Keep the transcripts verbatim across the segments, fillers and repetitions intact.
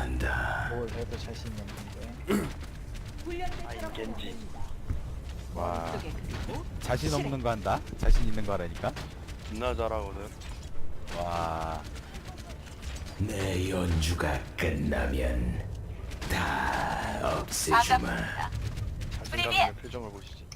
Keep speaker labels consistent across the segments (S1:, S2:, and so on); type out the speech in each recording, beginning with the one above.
S1: 한다.
S2: 뭘 해도 자신이 없는데.
S3: 아이 겐지.
S4: 와 자신 없는 거 한다? 자신 있는 거 하라니까?
S3: 존나 잘하거든.
S4: 와
S1: 내 연주가 끝나면 다 없애주마.
S3: 자신감의 표정을 보시지.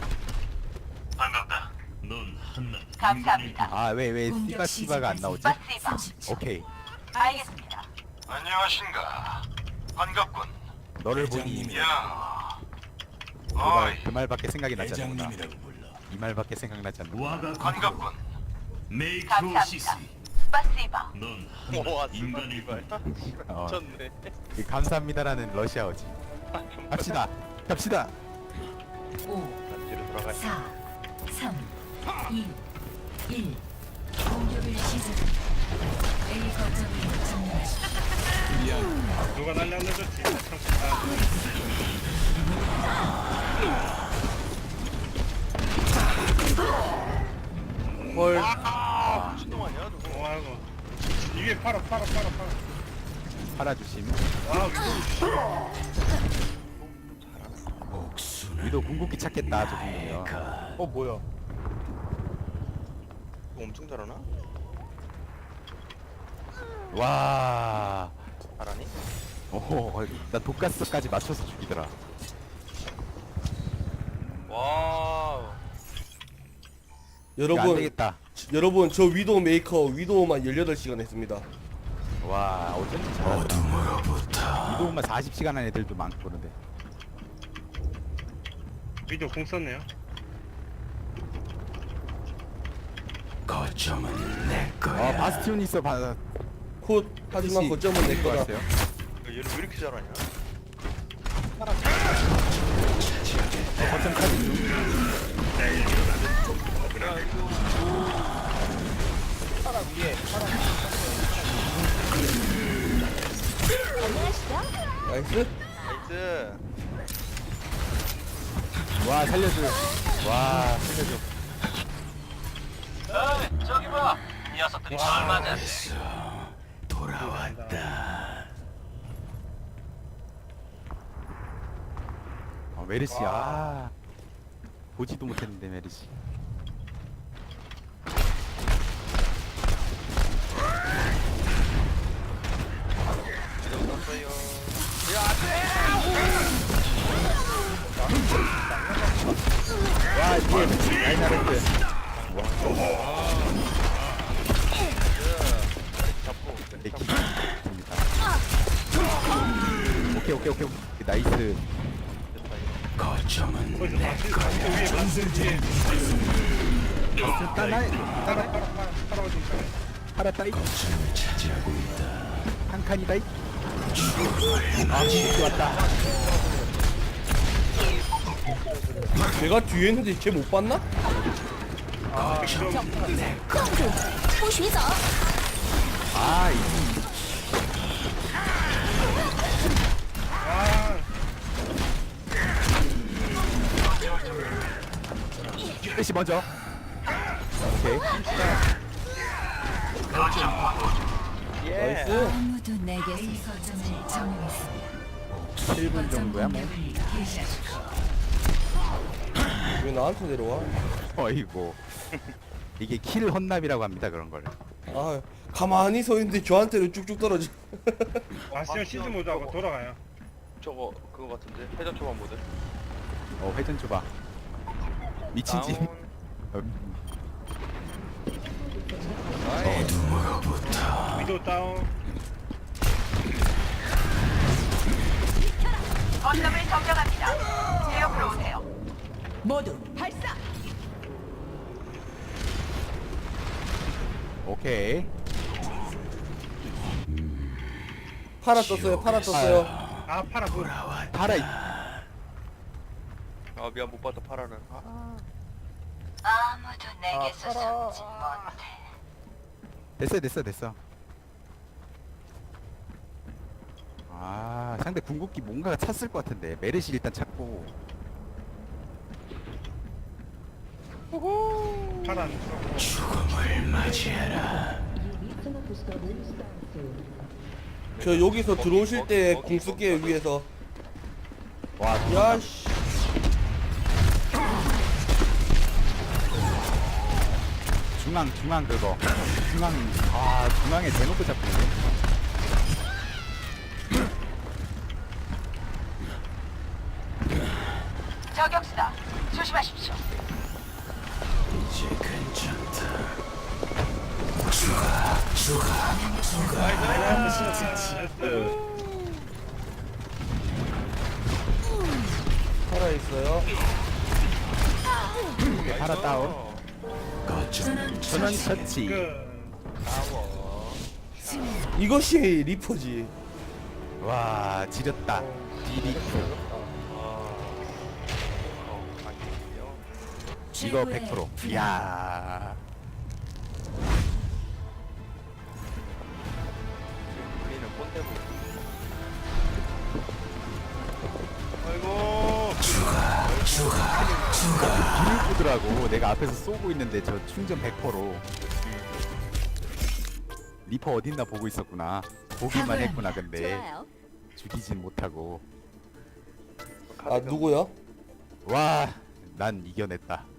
S1: 반갑다. 넌 한낱
S5: 감사합니다.
S4: 아 왜 왜 씨바 씨바가 안 나오지?
S5: 스파시바.
S4: 오케이
S5: 알겠습니다.
S1: 안녕하신가. 반갑군.
S4: 너를 보니
S1: 야.
S4: 그, 말, 그 말밖에 생각이 나지 않는구나.
S1: 대장님이라고 불러.
S4: 이 말밖에 생각나지 않는구나.
S1: 와가 반갑군. 메이크로시스.
S5: 감사합니다. 스파시바.
S1: 넌
S3: 와
S1: 한낱 인간일
S3: 이발.
S4: 어,
S3: 미쳤네.
S4: 이 감사합니다라는 러시아어지. 갑시다 갑시다.
S5: 오,
S3: 뒤로 돌아가.
S5: 사, 삼, 이, 일. 공격을 시작합니다. A 거점을 점령하십시오.
S6: 누가 날려놓았지?
S2: 헐.
S3: 아 미친놈 아니야 누구?
S6: 어, 아이고. 이게 팔아, 팔아, 팔아, 팔아.
S4: 팔아주심.
S6: 아, 위도.
S1: 목수는
S4: 위도 궁극기 찾겠다 저 정도면.
S2: 어 뭐야?
S3: 이거 엄청 잘하나?
S4: 와.
S3: 잘하니?
S4: 오호 나 독가스까지 맞춰서 죽이더라.
S3: 와우.
S4: 이거 안
S7: 여러분,
S4: 되겠다.
S7: 여러분 저 위도우 메이커 위도우만 열여덟 시간 했습니다.
S4: 와 어쩐지 잘하더라.
S1: 어둠으로부터
S4: 위도우만 사십 시간 한 애들도 많고 그런데.
S6: 위도 공 썼네요.
S1: 거점은 내
S4: 아
S1: 거야.
S4: 바스티온 있어 바.
S7: 콧 하지만 거점은 내 거다.
S4: 왔어요.
S3: 얘를 왜 이렇게 잘하냐?
S4: 어, 거점 카드 중.
S2: 파라 위에. 파라
S7: 나이스.
S3: 나이스.
S4: 와 살려줘. 와 살려줘.
S1: 저기 봐. 녀석들이 잘 맞았네. 돌아왔다.
S4: 어, 메르시 아 보지도 못했는데 메르시.
S3: 이동 떴어요.
S4: 와 뒤에 라인하르트.
S3: 잡고.
S4: 네, 기- 됩니다. 오케이 오케이 오케이 오케이 나이스.
S1: 거점은
S6: 거기서
S1: 내
S6: 다시,
S1: 거야.
S6: 다시 위에 맞지?
S4: 따나 따나
S6: 팔아, 팔아, 팔아, 팔아, 어디 있어?
S4: 팔았다이
S1: 거점을 차지하고 있다.
S4: 한 칸이다이. 아 진짜 왔다.
S7: 내가 뒤에 있는데 쟤 못 봤나?
S4: 아 이.
S6: 아,
S4: 메르시 먼저. 오케이.
S3: 예.
S7: 나이스.
S5: 아무도 내게 A 거점을 점령했습니다.
S4: 칠 분 정도야 뭐.
S5: 공격을 개시하십시오.
S7: 왜 나한테 내려와?
S4: 어이구. 이게 킬 헌납이라고 합니다 그런 걸.
S7: 아 가만히 서 있는데 저한테는 쭉쭉 떨어져.
S6: 아시아 시즈 모드하고 돌아가요.
S3: 저거 그거 같은데 회전 초반 모드.
S4: 어 회전 줘봐. 미친 짓.
S3: 다운.
S4: 어,
S3: 나이스.
S1: 어둠으로부터
S6: 위도 다운.
S5: 거점을 점령합니다. 제 옆으로 오세요. 모두 발사.
S4: 오케이.
S7: 파라 떴어요. 파라 떴어요.
S6: 아, 팔아, 그.
S4: 팔아. 이-
S3: 아 미안 못 봤다 파라는. 아.
S5: 아무도 내게서 숨지 못해.
S4: 됐어 됐어 됐어. 아 상대 궁극기 뭔가가 찼을 것 같은데 메르시 일단 찾고.
S6: 팔아 안 썼고.
S1: 죽음을 맞이해라.
S7: 저 여기서
S3: 먹기,
S7: 들어오실
S3: 먹기,
S7: 때
S3: 먹기,
S7: 궁쓸게요
S3: 먹기.
S7: 위에서.
S4: 와,
S7: 야씨.
S4: 중앙 중앙 그거 중앙 아 중앙에 대놓고 잡히네.
S5: 저격수다. 조심하십시오.
S1: 이제 괜찮다.
S7: 살아 있어요.
S4: 오케이, 파라 다운.
S1: 거점
S4: 전원 처치.
S6: 그
S3: 싸워.
S7: 이것이 리퍼지.
S4: 와 지렸다. 디리프.
S3: 어, 아니요.
S4: 이거 백 퍼센트. 이야.
S3: 우리는 꼰대고. 아이고.
S4: 비를 보더라고. 내가 앞에서 쏘고 있는데 저 충전 백 퍼센트로. 리퍼 어딨나 보고 있었구나. 보기만 했구나. 근데 죽이진 못하고.
S7: 아 누구요?
S4: 와, 난 이겨냈다.